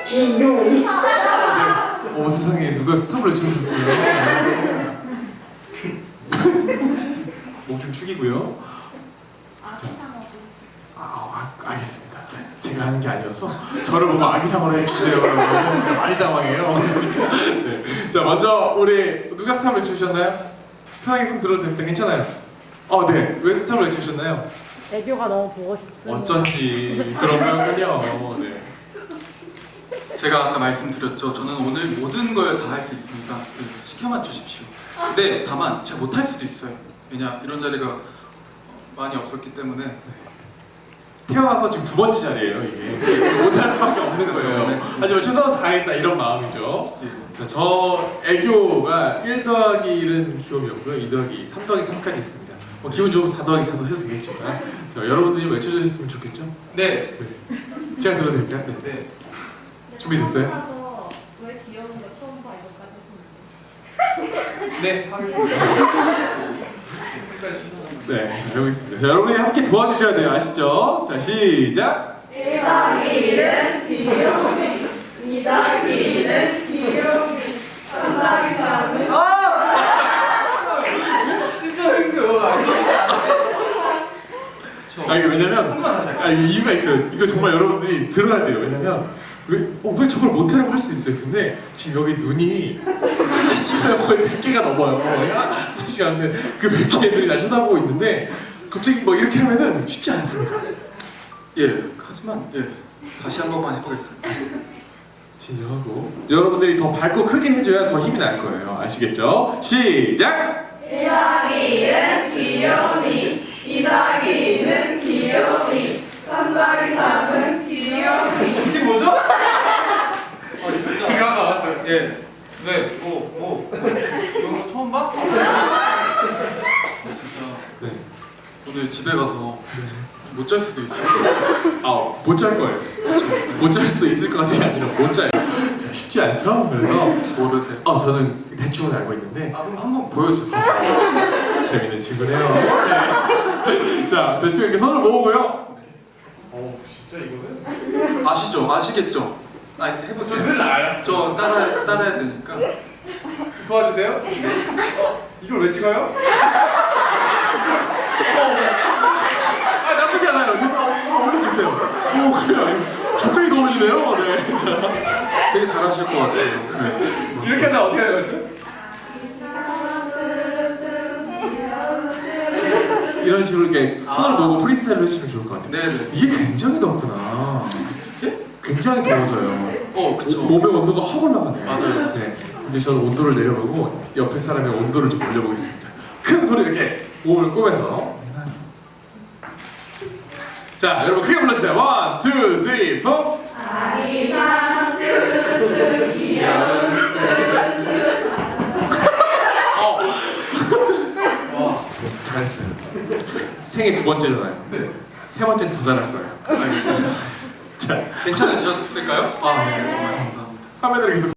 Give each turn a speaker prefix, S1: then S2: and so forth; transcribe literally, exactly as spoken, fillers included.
S1: 기용이.
S2: 아, 네. 어머 세상에 누가 스탑을 해주셨어요. 목좀 축이고요. 아, 아, 알겠습니다. 제가 하는 게 아니어서 저를 보고 아기상으로 해주세요. 그러면 제가 많이 당황해요. 네. 자, 먼저 우리 누가 스탑을 해주셨나요? 편하게 손 들어도 됩니다. 괜찮아요? 어, 네. 왜 스탑을 해주셨나요?
S1: 애교가 너무 보고 싶습니다.
S2: 어쩐지 그런 거군요. 네.
S3: 제가 아까 말씀드렸죠. 저는 오늘 모든 걸 다 할 수 있습니다. 네, 시켜만 주십시오. 근데 다만 제가 못할 수도 있어요. 왜냐 이런 자리가 많이 없었기 때문에. 네.
S2: 태어나서 지금 두 번째 자리예요 이게. 못할 수밖에 없는 거예요. 하지만 최선을 다하겠다 이런 마음이죠.
S3: 네.
S2: 자, 저 애교가 일 더하기 일은 귀요미였고요. 이 더하기 삼 더하기 삼까지 있습니다. 뭐 기분 좋으면 사 더하기 사도 해도 되겠지만 자, 여러분들이 좀 외쳐주셨으면 좋겠죠?
S3: 네.
S2: 네. 제가 들어도 될까요? 네.
S3: 네.
S2: 준비됐어요?
S4: 처음 봐서 왜 귀여운 거 처음 봐 이거까지 했으면
S3: 네. 하겠습니다.
S2: 네, 자, 해보겠습니다. 자, 여러분이 함께 도와주셔야 돼요. 아시죠? 자, 시작!
S4: 일 더하기 일은 귀요미, 이 더하기 이는 귀요미, 삼 더하기 삼은
S3: 진짜 힘들어.
S2: 아, 이게 왜냐면, 아, 이게 이유가 있어요. 이거 정말 여러분들이 들어야 돼요. 왜냐면, 왜, 어, 왜 저걸 못하라고 할 수 있어요. 근데 지금 여기 눈이 한 시간에 거의 백 개가 넘어요. 한 시간에 그 백 개 애들이 날 쳐다보고 있는데 갑자기 뭐 이렇게 하면은 쉽지 않습니다.
S3: 예. 하지만 예. 다시 한 번만 해보겠습니다.
S2: 진정하고 여러분들이 더 밝고 크게 해줘야 더 힘이 날 거예요. 아시겠죠? 시작!
S4: 일 더하기 일은 귀요미, 이 더하기 이는 귀요미, 삼 더하기 삼은 귀요미.
S3: 이게 뭐죠? 아 진짜. 기가 나왔어요. 예. 네. 뭐 뭐. 이런 거 처음 봐? 진짜.
S2: 네.
S3: 오늘 집에 가서 못 잘 수도 있어요.
S2: 아, 못 잘 거예요. 못 잘 수 있을 것 같은 게 아니라 못 자요. 자, 쉽지 않죠? 그래서
S3: 모르세요?
S2: 어, 저는 대충은 알고 있는데
S3: 아 그럼 한번 보여주세요.
S2: 재밌는 친구네요. 네. 자, 대충 이렇게 손을 모으고요. 어, 진짜 이거는?
S3: 아시죠? 아시겠죠? 아 해보세요.
S2: 늘 알았어.
S3: 저 따라 따라야 되니까.
S2: 도와주세요. 어, 이걸 왜 찍어요? 아, 나쁘지 않아요. 저도 어, 올려주세요. 오, 그래요. 갑자기 더워지네요. 네. 자,
S3: 되게 잘하실 것 같아요. 네.
S2: 이렇게 하면 어떻게 해야 되죠? 이런 식으로 이렇게 손을 모으고 프리스타일로 해주시면 좋을 것 같아요.
S3: 네네.
S2: 이게 굉장히 덥구나.
S3: 예?
S2: 굉장히 더워져요.
S3: 어 그쵸.
S2: 몸의 온도가 확 올라가네요.
S3: 맞아요, 맞아요.
S2: 네. 이제 저는 온도를 내려보고 옆에 사람의 온도를 좀 올려보겠습니다. 큰 소리 이렇게 몸을 꼬매서. 자, 여러분 크게 불러주세요. 원, 투, 쓰리, 포.
S4: 아기상 뚜루뚜루 귀여운
S3: 와.
S2: 잘했어요. 생애 두 번째잖아요.
S3: 네.
S2: 세 번째는 더 잘할 거예요.
S3: 알겠습니다.
S2: 자,
S3: 괜찮으셨을까요? 아 네. 정말 감사합니다.
S2: 화면으로 계속.